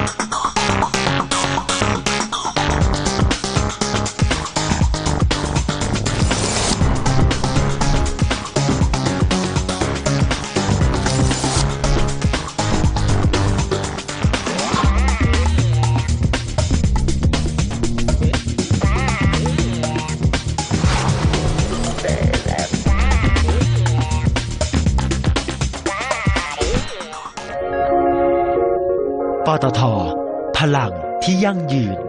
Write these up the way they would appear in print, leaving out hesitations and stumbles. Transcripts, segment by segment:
ปตท.พลังที่ยั่งยืน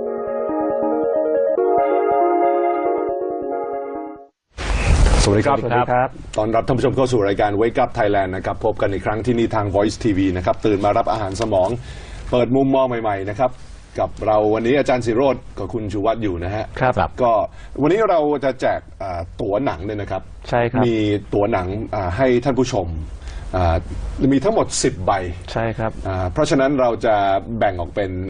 สวัสดีครับตอนรับท่านผู้ชมเข้าสู่รายการ Wake Up Thailand นะครับพบกันอีกครั้งที่นี่ทาง Voice TV นะครับตื่นมารับอาหารสมองเปิดมุมมองใหม่ๆนะครับกับเราวันนี้อาจารย์ศิโรจน์กับคุณชูวัฒน์อยู่นะฮะครับก็วันนี้เราจะแจกตั๋วหนังเนี่ยนะครับใช่ครับมีตั๋วหนังให้ท่านผู้ชมมีทั้งหมด10 ใบใช่ครับเพราะฉะนั้นเราจะแบ่งออกเป็น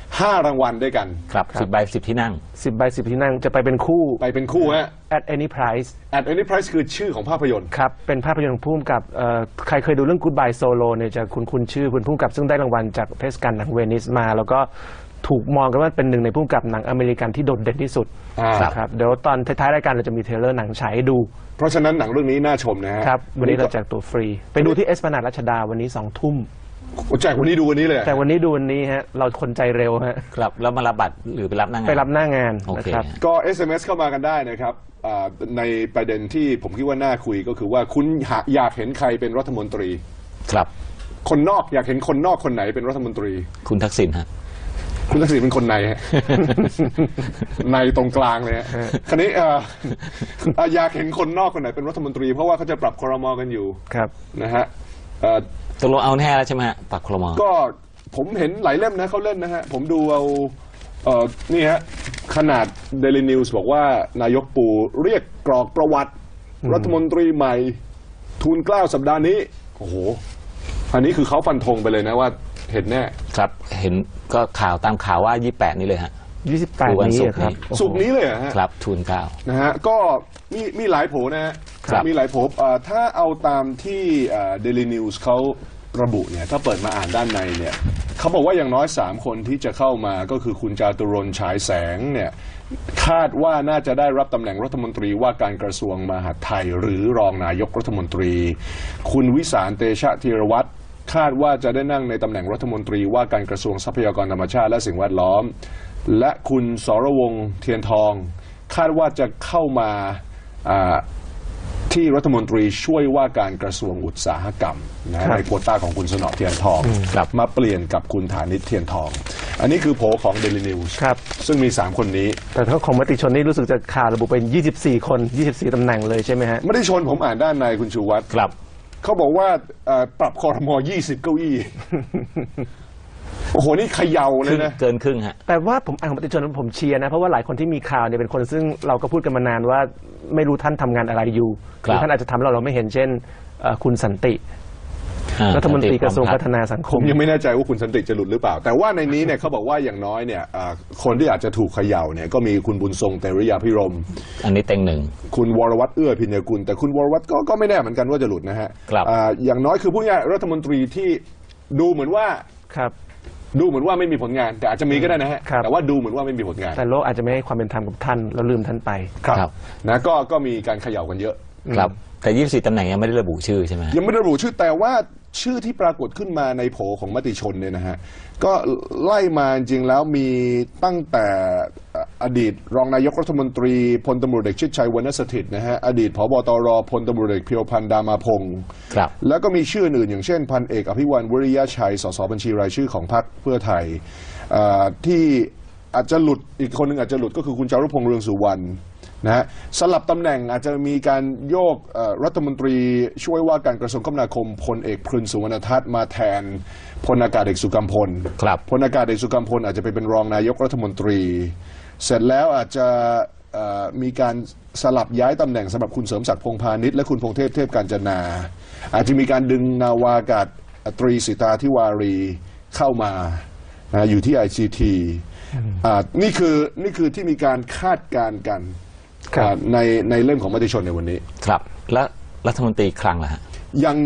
5 รางวัลด้วยกันครับ10 ใบ 10 ที่นั่ง 10 ใบ 10 ที่นั่งจะไปเป็นคู่ฮะ at any price at any price คือชื่อของภาพยนตร์ครับเป็นภาพยนตร์ของผู้กำกับใครเคยดูเรื่อง Goodbye Solo เนี่ยจะคุ้นชื่อคุณผู้กำกับซึ่งได้รางวัลจากเทศกาลหนังเวนิสมาแล้วก็ถูกมองกันว่าเป็นหนึ่งในผู้กำกับหนังอเมริกันที่โดดเด่นที่สุดครับเดี๋ยวตอนท้ายๆรายการเราจะมีเทรลเลอร์หนังฉายให้ดูเพราะฉะนั้นหนังเรื่องนี้น่าชมนะฮะครับวันนี้เราแจกตัวฟรีไปดูที่เอสพลานาดรัชดาวันนี้20 ทุ่มแจกวันนี้ดูวันนี้เลยแต่วันนี้ดูวันนี้ฮะเราคนใจเร็วฮะครับแล้วมารับบัตรหรือไปรับหน้างานไปรับหน้างานนะครับก็ SMS เข้ามากันได้นะครับในประเด็นที่ผมคิดว่าน่าคุยก็คือว่าคุณอยากเห็นใครเป็นรัฐมนตรีครับคนนอกอยากเห็นคนนอกคนไหนเป็นรัฐมนตรีคุณทักษิณฮะคุณทักษิณเป็นคนในฮะในตรงกลางเลยฮะคราวนี้อยากเห็นคนนอกคนไหนเป็นรัฐมนตรีเพราะว่าเขาจะปรับครม.กันอยู่ครับนะฮะตกลงเอาแน่แล้วใช่ไหมฮะปรับครม. ก็ผมเห็นหลายเล่มนะเขาเล่นนะฮะผมดูเอานี่ฮะขนาด Daily News บอกว่านายกปู่เรียกกรอกประวัติรัฐมนตรีใหม่ทูลเกล้าสัปดาห์นี้โอ้โหอันนี้คือเขาฟันธงไปเลยนะว่าเห็นแน่ครับเห็นก็ข่าวตามข่าวว่า28นี้เลยฮะ 28นี้ครับศุกร์นี้เลยฮะครับทูลเกล้านะฮะก็มีหลายโผนะฮะมีหลายโผถ้าเอาตามที่ Daily News เขาระบุเนี่ยถ้าเปิดมาอ่านด้านในเนี่ยเขาบอกว่าอย่างน้อย3 คนที่จะเข้ามาก็คือคุณจาตุรนต์ฉายแสงเนี่ยคาดว่าน่าจะได้รับตำแหน่งรัฐมนตรีว่าการกระทรวงมหาดไทยหรือรองนายกรัฐมนตรีคุณวิสารเตชะธีรวัตรคาดว่าจะได้นั่งในตำแหน่งรัฐมนตรีว่าการกระทรวงทรัพยากรธรรมชาติและสิ่งแวดล้อมและคุณสรวงศ์เทียนทองคาดว่าจะเข้ามาที่รัฐมนตรีช่วยว่าการกระทรวงอุตสาหกรรมนะในโควต้าของคุณสนอเทียนทองมาเปลี่ยนกับคุณฐานิชเทียนทองอันนี้คือโผของ Daily News ซึ่งมี3 คนนี้แต่ถ้าของมติชนนี่รู้สึกจะข่าวระบุเป็น24 คน24 ตำแหน่งเลยใช่ไหมฮะไม่ได้ชนผมอ่านด้านในคุณชูวัฒน์ครับเขาบอกว่าปรับครม20 เก้าอี้โอ้โหนี่เขย่าเลยนะเกินครึ่งฮะแต่ว่าผมอ่านของมติชนผมเชียร์นะเพราะว่าหลายคนที่มีข่าวเนี่ยเป็นคนซึ่งเราก็พูดกันมานานว่าไม่รู้ท่านทำงานอะไรอยู่หรือท่านอาจจะทำเราไม่เห็นเช่นคุณสันติรัฐมนตรีกระทรวงพัฒนาสังคมยังไม่แน่ใจว่าคุณสันติจะหลุดหรือเปล่าแต่ว่าในนี้เนี่ยเขาบอกว่าอย่างน้อยเนี่ยคนที่อาจจะถูกเขย่าเนี่ยก็มีคุณบุญทรงเตริยาภิรมย์อันนี้เต็งหนึ่งคุณวรวัตรเอื้อพิญญกุลแต่คุณวรวัตรก็ไม่แน่เหมือนกันว่าจะหลุดนะฮะอย่างน้อยคือผู้ใหญ่รัฐมนตรีที่ดูเหมือนว่าดูเหมือนว่าไม่มีผลงานแต่อาจจะมีก็ได้นะฮะแต่ว่าดูเหมือนว่าไม่มีผลงานแต่โลกอาจจะไม่ให้ความเป็นธรรมกับท่านแล้วลืมท่านไปครับนะก็มีการเขย่ากันเยอะครับแต่24 ตำแหน่งยังไม่ได้ระบุชื่อใช่ไหมยังไม่ได้ระบุชื่อแต่ว่าชื่อที่ปรากฏขึ้นมาในโผของมติชนเนี่ยนะฮะก็ไล่มาจริงแล้วมีตั้งแต่อดีตรองนายกรัฐมนตรีพลตำรวจเอกชิดชัยวรรณสถิตย์นะฮะอดีตผบ.ตร.พลตำรวจเอกเพียวพันธ์ดามาพงศ์แล้วก็มีชื่ออื่นอย่างเช่นพันเอกอภิวรรณวริยะชัยสสบัญชีรายชื่อของพรรคเพื่อไทยที่อาจจะหลุดอีกคนหนึ่งอาจจะหลุดก็คือคุณจารุพงษ์เรืองสุวรรณนะฮะสลับตำแหน่งอาจจะมีการโยกรัฐมนตรีช่วยว่าการกระทรวงคมนาคมพลเอกพลสุวรรณทัศน์มาแทนพลอากาศเอกสุกัมพลพลอากาศเอกสุกัมพลอาจจะไปเป็นรองนายกรัฐมนตรีเสร็จแล้วอาจจะมีการสลับย้ายตำแหน่งสำหรับคุณเสริมศักดิ์พงษ์พาณิชย์และคุณพงษ์เทพกาญจนาอาจจะมีการดึงนาวากาศตรีสิตาธิวารีเข้ามาอยู่ที่ ICT นี่คือที่มีการคาดการณ์กันในเรื่องของมติชนในวันนี้ครับและรัฐมนตรีคลังล่ะฮะ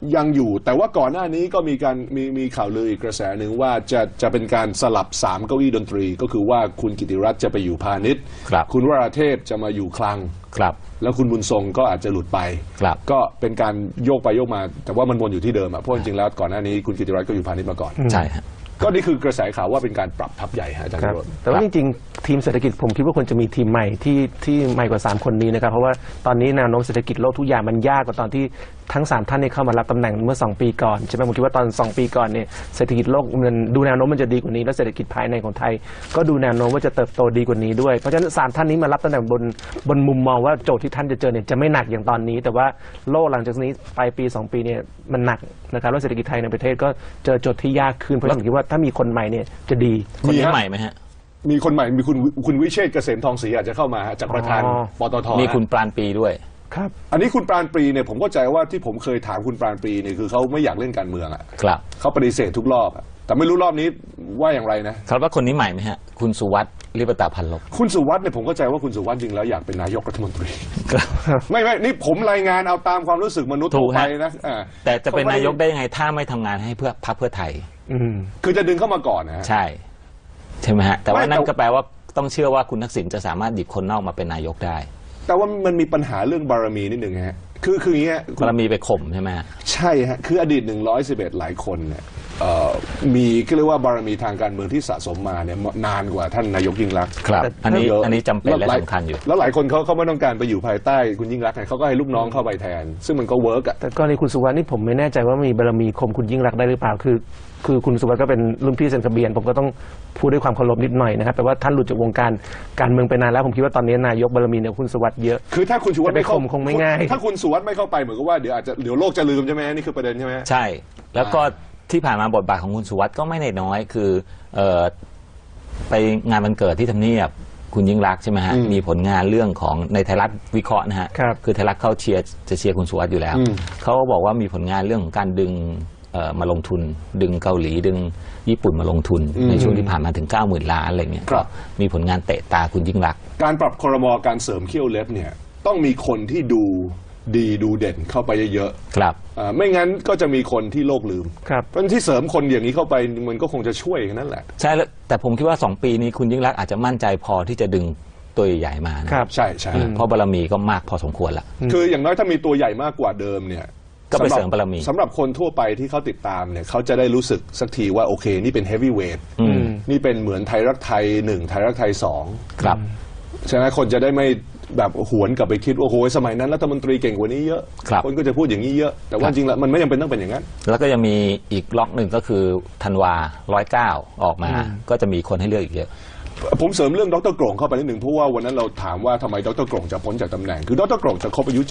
ยังอยู่แต่ว่าก่อนหน้านี้ก็มีข่าวลืออีกกระแสหนึ่งว่าจะเป็นการสลับ3เก้าอี้ดนตรีก็คือว่าคุณกิติรัตน์จะไปอยู่พาณิชย์คุณวราเทพจะมาอยู่คลังแล้วคุณบุญทรงก็อาจจะหลุดไปก็เป็นการโยกไปโยกมาแต่ว่ามันวนอยู่ที่เดิมเพราะจริงๆแล้วก่อนหน้านี้คุณกิติรัตน์ก็อยู่พาณิชย์มาก่อนใช่ฮะก็นี่คือกระแสข่าวว่าเป็นการปรับทัพใหญ่อาจารย์แต่ว่าจริงๆทีมเศรษฐกิจผมคิดว่าควรจะมีทีมใหม่ที่ใหม่กว่า3คนนี้นะครับเพราะว่าตอนนี้แนวโน้มเศรษฐกิจโลกทุกอย่างมันยากกว่าตอนที่ทั้ง3ท่านเข้ามารับตำแหน่งเมื่อ2ปีก่อนใช่ไหมผมคิดว่าตอน2ปีก่อนเนี่ยเศรษฐกิจโลกมันดูแนวโน้มมันจะดีกว่านี้และเศรษฐกิจภายในของไทยก็ดูแนวโน้มว่าจะเติบโตดีกว่านี้ด้วยเพราะฉะนั้น3ท่านนี้มารับตำแหน่งบนมุมมองว่าโจทย์ที่ท่านจะเจอเนี่ยจะไม่หนักอย่างตอนนี้แต่ว่าโลกหลังจากนี้ไปปี2ปีเนี่ยมันหนักนะครับแล้วเศรษฐกิจไทยในประเทศก็เจอโจทย์ที่ยากขึ้นเพราะฉะนั้นผมคิดว่าถ้ามีคนใหม่เนี่ยจะดีคนใหม่ไหมฮะมีคนใหม่มีคุณวิเชษฐ์เกษมทองศรีอาจจะเข้ามาจากประธานปตท. มีคุณปราณปรีด้วยครับอันนี้คุณปราณปรีเนี่ยผมเข้าใจว่าที่ผมเคยถามคุณปราณปรีเนี่ยคือเขาไม่อยากเล่นการเมืองครับเขาปฏิเสธทุกรอบแต่ไม่รู้รอบนี้ว่าอย่างไรนะครับว่าคนนี้ใหม่ไหมฮะคุณสุวัสดิ์ลิปตาพันลบคุณสุวัสดิ์เนี่ยผมเข้าใจว่าคุณสุวัสดิ์จริงแล้วอยากเป็นนายกรัฐมนตรีไม่นี่ผมรายงานเอาตามความรู้สึกมนุษย์ทั่วไปนะแต่จะเป็นนายกได้ยังไงถ้าไม่ทำงานให้เพื่อพรรคเพื่อไทยคือจะดึงเข้ามาก่อนนะใช่ไหมฮะแต่ว่านั่นก็แปลว่าต้องเชื่อว่าคุณทักษิณจะสามารถหยิบคนนอกมาเป็นนายกได้แต่ว่ามันมีปัญหาเรื่องบารมีนิดหนึ่งฮะคืออย่างเงี้ยบารมีไปข่มใช่ไหมใช่ฮะคืออดีต111หลายคนเนี่ยมีก็เรียกว่าบารมีทางการเมืองที่สะสมมาเนี่ยนานกว่าท่านนายกยิ่งรักษณ์ครับอันนี้จำเป็นและสำคัญอยู่แล้วหลายคนเขาไม่ต้องการไปอยู่ภายใต้คุณยิ่งรักษณ์เขาก็ให้ลูกน้องเข้าไปแทนซึ่งมันก็เวิร์กแต่กรณีคุณสุวรรณนี่ผมไม่แน่ใจว่ามีบารมีข่มคุณยิ่งรักษณ์ได้หรือเปล่าคือคุณสุวัสดิ์ก็เป็นรุ่นพี่เซ็นทะเบียนผมก็ต้องพูดด้วยความเคารพนิดหน่อยนะครับแต่ว่าท่านหลุดจากวงการเมืองไปนานแล้วผมคิดว่าตอนนี้นายกบารมีเนี่ยคุณสุวัสดิ์เยอะคือถ้าคุณสุวัสดิ์ไม่เข้าคงไม่ง่ายถ้าคุณสุวัสดิ์ไม่เข้าไปเหมือนกับว่าเดี๋ยวโลกจะลืมใช่ไหมนี่คือประเด็นใช่ไหมใช่แล้วก็ที่ผ่านมาบทบาทของคุณสุวัสดิ์ก็ไม่ได้น้อยคือไปงานวันเกิดที่ทำเนียบคุณยิ่งรักษณ์ใช่ไหมฮะมีผลงานเรื่องของในไทยรัฐวิเคราะห์นะฮะคือไทยรัฐเขาเชียร์คุณสุวัสดิ์อยู่แล้วเขาก็บอกว่ามีผลงานเรื่องของการดึงมาลงทุนดึงเกาหลีดึงญี่ปุ่นมาลงทุนในช่วงที่ผ่านมาถึง 90,000 ล้านอะไรเงี้ยมีผลงานเตะตาคุณยิ่งรักษณ์การปรับครม.การเสริมเขี้ยวเล็บเนี่ยต้องมีคนที่ดูดีดูเด่นเข้าไปเยอะๆครับไม่งั้นก็จะมีคนที่โลกลืมเพราะที่เสริมคนอย่างนี้เข้าไปมันก็คงจะช่วยกันนั่นแหละใช่แล้วแต่ผมคิดว่า2 ปีนี้คุณยิ่งรักษณ์อาจจะมั่นใจพอที่จะดึงตัวใหญ่มาครับใช่เพราะบารมีก็มากพอสมควรละคืออย่างน้อยถ้ามีตัวใหญ่มากกว่าเดิมเนี่ยก็ไปเสริมบารมีสำหรับคนทั่วไปที่เขาติดตามเนี่ยเขาจะได้รู้สึกสักทีว่าโอเคนี่เป็นเฮฟวี่เวทนี่เป็นเหมือนไทยรักไทย1ไทยรักไทย2 ครับใช่ไหมคนจะได้ไม่แบบหวนกลับไปคิดว่าโอ้โหสมัยนั้นรัฐมนตรีเก่งกว่านี้เยอะคนก็จะพูดอย่างนี้เยอะแต่ว่าจริงแล้วมันไม่จำเป็นต้องเป็นอย่างนั้นแล้วก็ยังมีอีกล็อกหนึ่งก็คือธันวา109ออกมาก็จะมีคนให้เลือกอีกเยอะผมเสริมเรื่องดร.กรงเข้าไปนิดหนึ่งเพราะว่าวันนั้นเราถามว่าทำไมดร.กรงจะพ้นจากตำแหน่งคือดร.กรงจะครบอายุ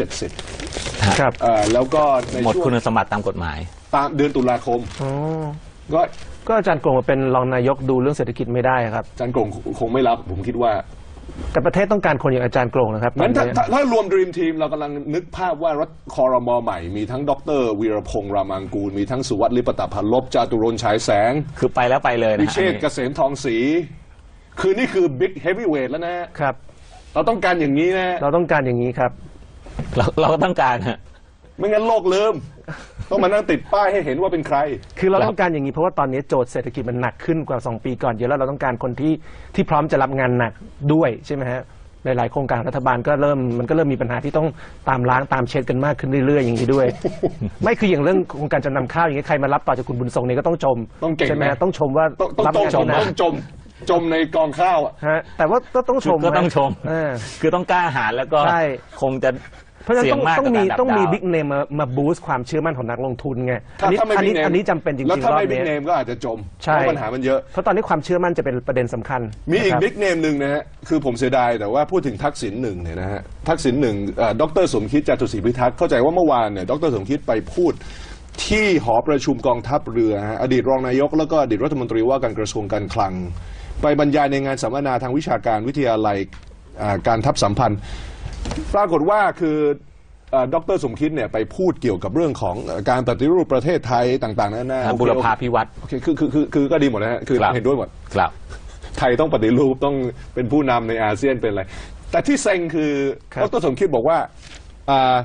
70 ครับแล้วก็ในหมดคุณสมบัติตามกฎหมายตามเดือนตุลาคมก็อาจารย์กรงมาเป็นรองนายกดูเรื่องเศรษฐกิจไม่ได้ครับอาจารย์กรงคงไม่รับผมคิดว่าแต่ประเทศต้องการคนอย่างอาจารย์กรงนะครับงั้นถ้ารวม Dream Team เรากำลังนึกภาพว่ารัฐครม.ใหม่มีทั้งดร.วีรพงษ์รามังกูลมีทั้งสุวัสดิ์ลิปตพันลบจาตุรนต์ฉายแสงคือไปแล้วไปเลยนะวิเชษฐ์เกษมทองศรีคือนี่คือบิ๊กเฮฟวี่เวทแล้วนะครับเราต้องการอย่างนี้นะเราต้องการอย่างนี้ครับเราก็ต้องการฮะไม่งั้นโลกลืมต้องมานั่งติดป้ายให้เห็นว่าเป็นใครคือเราต้องการอย่างนี้เพราะว่าตอนนี้โจทย์เศรษฐกิจมันหนักขึ้นกว่า2 ปีก่อนเยอะแล้วเราต้องการคนที่พร้อมจะรับงานหนักด้วยใช่ไหมฮะหลายๆโครงการรัฐบาลก็เริ่มมีปัญหาที่ต้องตามล้างตามเช็ดกันมากขึ้นเรื่อยๆอย่างนี้ด้วยไม่คืออย่างเรื่องโครงการจำนำข้าวอย่างนี้ใครมารับต่อจากคุณบุญทรงนี่ก็ต้องชมใช่ไหมต้องชมว่ารับงานที่ต้องจมในกองข้าวแต่ว่าต้องชมก็ต้องชมคือต้องกล้าหาญแล้วก็คงจะเพราะฉะนั้นต้องมีบิ๊กเนมมาบูสต์ความเชื่อมั่นของนักลงทุนไงอันนี้จำเป็นจริงๆแล้วถ้าไม่บิ๊กเนมก็อาจจะจมเพราะปัญหามันเยอะเพราะตอนนี้ความเชื่อมั่นจะเป็นประเด็นสำคัญมีอีกบิ๊กเนมหนึ่งนะฮะคือผมเสียดายแต่ว่าพูดถึงทักษิณหนึ่งเนี่ยนะฮะทักษิณหนึ่งดร.สมคิดจตุศรีพิทักษ์เข้าใจว่าเมื่อวานเนี่ยดร.สมคิดไปพูดที่หอประชุมกองทัพเรืออดีตรองนายกแล้วก็อดีตรัฐมนตรีว่าการกระทรวงการคลังไปบรรยายในงานสัมมนาทางวิชาการวิทยาลัยการทัพสัมพันธ์ปรากฏว่าคือดร.สมคิดเนี่ยไปพูดเกี่ยวกับเรื่องของการปฏิรูปประเทศไทยต่างๆนั่นบุรพาภิวัตน์คือก็ดีหมดนะฮะคือเห็นด้วยหมดไทยต้องปฏิรูปต้องเป็นผู้นำในอาเซียนเป็นอะไรแต่ที่เซ็งคือดร.สมคิดบอกว่า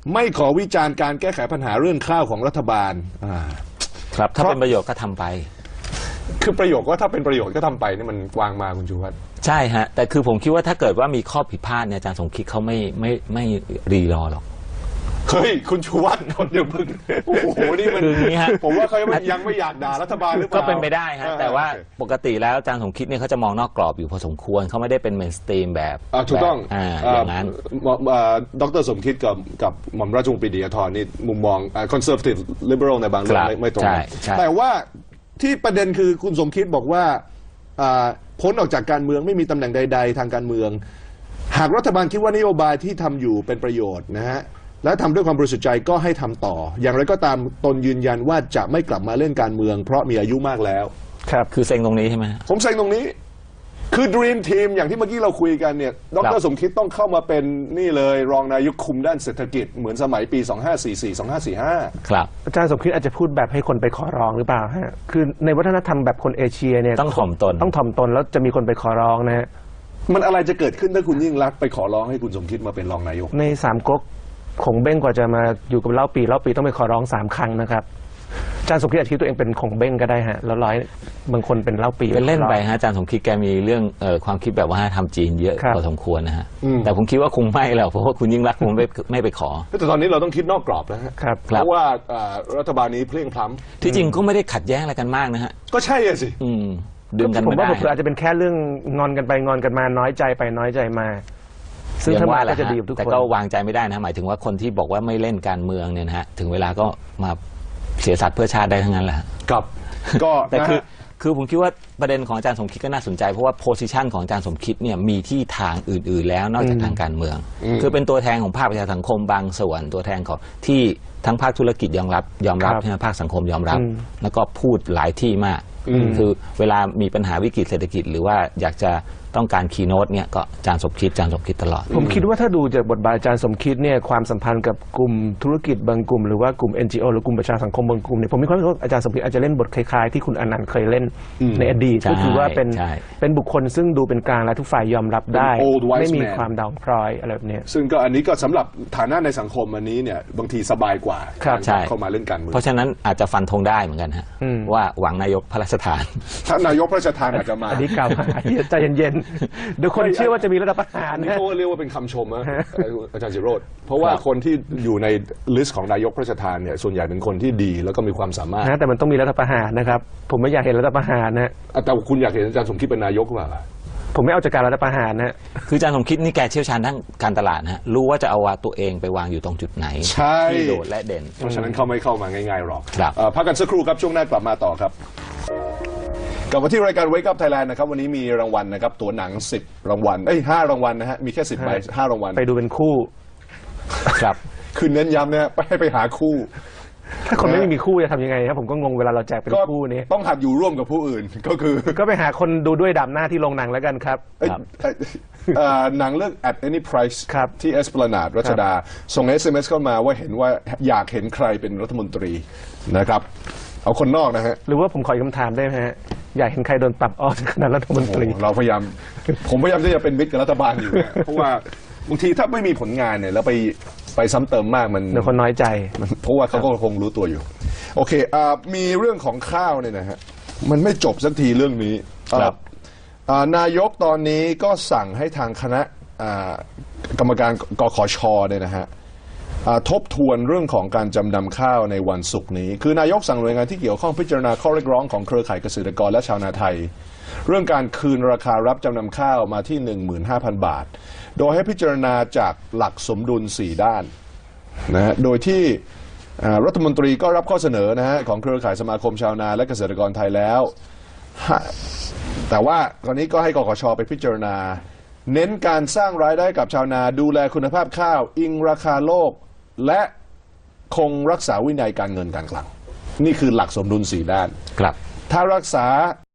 ไม่ขอวิจารณ์การแก้ไขปัญหาเรื่องข้าวของรัฐบาลครับถ้าเป็นประโยชน์ก็ทำไปคือประโยชน์ก็ถ้าเป็นประโยชน์ก็ทำไปนี่มันวางมาคุณชูวัฒน์ใช่ฮะแต่คือผมคิดว่าถ้าเกิดว่ามีข้อผิดพลาดเนี่ยอาจารย์สมคิดเขาไม่รีรอหรอกเฮ้ยคุณชูวัฒน์คนเดียวมึงโอ้โหนี่มันผมว่าเขายังไม่อยากด่ารัฐบาลหรือเปล่าก็เป็นไปได้ฮะแต่ว่าปกติแล้วอาจารย์สมคิดเนี่ยเขาจะมองนอกกรอบอยู่พอสมควรเขาไม่ได้เป็นเมนสตรีมแบบถูกต้องอย่างนั้นดร.สมคิดกับหม่อมราชวงศ์ปรีดีอาทรนี่มุมมองคอนเซอร์เวทีฟลิเบอรัลในบางเรื่องไม่ตรงกันแต่ว่าที่ประเด็นคือคุณสมคิดบอกว่าพ้นออกจากการเมืองไม่มีตำแหน่งใดๆทางการเมืองหากรัฐบาลคิดว่านโยบายที่ทำอยู่เป็นประโยชน์นะฮะและทำด้วยความบริสุทธิ์ใจก็ให้ทำต่ออย่างไรก็ตามตนยืนยันว่าจะไม่กลับมาเล่นการเมืองเพราะมีอายุมากแล้วครับคือเซ็งตรงนี้ใช่ไหมผมเซ็งตรงนี้คือ Dream Team อย่างที่เมื่อกี้เราคุยกันเนี่ยดร.สมคิดต้องเข้ามาเป็นนี่เลยรองนายกคุมด้านเศรษฐกิจเหมือนสมัยปี2544 2545 ครับอาจารย์สมคิดอาจจะพูดแบบให้คนไปขอร้องหรือเปล่าฮะคือในวัฒนธรรมแบบคนเอเชียเนี่ยต้องถ่อมตนแล้วจะมีคนไปขอร้องนะฮะมันอะไรจะเกิดขึ้นถ้าคุณยิ่งรักไปขอร้องให้คุณสมคิดมาเป็นรองนายกในสามก๊กคงเบ้งกว่าจะมาอยู่กับเล่าปีต้องไปขอร้อง3 ครั้งนะครับอาจารย์สมคิดอาจจะคิดตัวเองเป็นของเบ้งก็ได้ฮะแล้วบางคนเป็นเล่าปีเป็นเล่นไปฮะอาจารย์สมคิดแกมีเรื่องความคิดแบบว่าทำจีนเยอะพอสมควรนะฮะแต่ผมคิดว่าคงไม่แล้วเพราะว่าคุณยิ่งรักคงไม่ไปขอแต่ตอนนี้เราต้องคิดนอกกรอบนะฮะเพราะว่ารัฐบาลนี้เพลียงพล้ำที่จริงก็ไม่ได้ขัดแย้งอะไรกันมากนะฮะก็ใช่สิดึงกันไม่ได้ผมว่าอาจจะเป็นแค่เรื่องงอนกันไปงอนกันมาน้อยใจไปน้อยใจมาซึ่งถ้าว่าก็จะดีกับทุกคนแต่ก็วางใจไม่ได้นะหมายถึงว่าคนที่บอกว่าไม่เล่นการเมืองเนี่ยนะฮะถึงเวลาก็มาเสียสัตว์เพื่อชาติได้ทั้งนั้นแหละครับก็แต่คือผมคิดว่าประเด็นของอาจารย์สมคิดก็น่าสนใจเพราะว่าโพสิชันของอาจารย์สมคิดเนี่ยมีที่ทางอื่นๆแล้วนอกจากทางการเมืองคือเป็นตัวแทนของภาคประชาสังคมบางส่วนตัวแทนของที่ทั้งภาคธุรกิจยอมรับใช่ไหมภาคสังคมยอมรับแล้วก็พูดหลายที่มากคือเวลามีปัญหาวิกฤตเศรษฐกิจหรือว่าอยากจะต้องการคีย์โน้ตเนี่ยก็อาจารย์สมคิดตลอดผมคิดว่าถ้าดูจากบทบาทอาจารย์สมคิดเนี่ยความสัมพันธ์กับกลุ่มธุรกิจบางกลุ่มหรือว่ากลุ่ม NGO หรือกลุ่มประชาสังคมบางกลุ่มเนี่ยผมมีความรู้สึกว่าอาจารย์สมคิดอาจจะเล่นบทคล้ายๆที่คุณอนันต์เคยเล่นในอดีตก็คือว่าเป็นบุคคลซึ่งดูเป็นกลางและทุกฝ่ายยอมรับได้ไม่มีความด่างพร้อยอะไรแบบนี้ซึ่งก็อันนี้ก็สำหรับฐานะในสังคมอันนี้เนี่ยบางทีสบายกว่าเข้ามาเล่นการเมืองเพราะฉะนั้นอาจจะฟันธงได้เหมือนกันฮะว่าหวังนายกพระราชทานถ้านายกพระราชทานอาจจะมาอันนี้กล่าวใจเย็นๆดูคนเชื่อว่าจะมีรัฐประหารนี่เขาเรียกว่าเป็นคำชมนะอาจารย์จิโรจน์เพราะว่าคนที่อยู่ในลิสต์ของนายกพระราชทานเนี่ยส่วนใหญ่เป็นคนที่ดีแล้วก็มีความสามารถแต่มันต้องมีรัฐประหารนะครับผมไม่อยากเห็นรัฐประหารนะแต่คุณอยากเห็นอาจารย์สมคิดเป็นนายกหรือเปล่าผมไม่เอาจากการรัฐประหารนะคืออาจารย์สมคิดนี่แกเชี่ยวชาญทั้งการตลาดนะรู้ว่าจะเอาตัวเองไปวางอยู่ตรงจุดไหนที่โดดและเด่นเพราะฉะนั้นเขาไม่เข้ามาง่ายๆหรอกพักกันสักครู่ครับช่วงหน้ากลับมาต่อครับกลับมาที่รายการ Wake Up Thailand นะครับวันนี้มีรางวัลนะครับตั๋วหนัง10 รางวัล5 รางวัลนะฮะมีแค่10 ใบ 5 รางวัลไปดูเป็นคู่ครับคือเน้นย้ำเนี่ยไปหาคู่ถ้าคนไม่มีคู่จะทำยังไงครับผมก็งงเวลาเราแจกเป็นคู่นี้ต้องหัดอยู่ร่วมกับผู้อื่นก็ไปหาคนดูด้วยดำหน้าที่โรงหนังแล้วกันครับหนังเรื่อง At Any Price ที่ Esplanade รัชดาส่ง SMS เข้ามาว่าเห็นว่าอยากเห็นใครเป็นรัฐมนตรีนะครับเอาคนนอกนะฮะหรือว่าผมขออีกคำถามได้ไหมฮะอยากเห็นใครโดนปรับออกจากคณะรัฐมนตรีผมพยายามที่จะเป็นมิตรกับรัฐบาลอยู่เนี่ยเพราะว่าบางทีถ้าไม่มีผลงานเนี่ยแล้วไปซ้ำเติมมากมันเดี๋ยวคนน้อยใจเพราะว่าเขาก็คงรู้ตัวอยู่โอเคมีเรื่องของข้าวเนี่ยนะฮะมันไม่จบสักทีเรื่องนี้นายกตอนนี้ก็สั่งให้ทางคณะกรรมการกขช.เนี่ยนะฮะทบทวนเรื่องของการจำนำข้าวในวันศุกร์นี้คือนายกสั่งหน่วยงานที่เกี่ยวข้องพิจารณาข้อเรียกร้องของเครือข่ายเกษตรกรและชาวนาไทยเรื่องการคืนราคารับจำนำข้าวมาที่ 15,000 บาทโดยให้พิจารณาจากหลักสมดุล4ด้านนะฮะโดยที่รัฐมนตรีก็รับข้อเสนอนะฮะของเครือข่ายสมาคมชาวนาและเกษตรกรไทยแล้วแต่ว่าตอนนี้ก็ให้กขช.ไปพิจารณาเน้นการสร้างรายได้กับชาวนาดูแลคุณภาพข้าวอิงราคาโลกและคงรักษาวินัยการเงินการคลังนี่คือหลักสมดุล4ด้านครับถ้ารักษา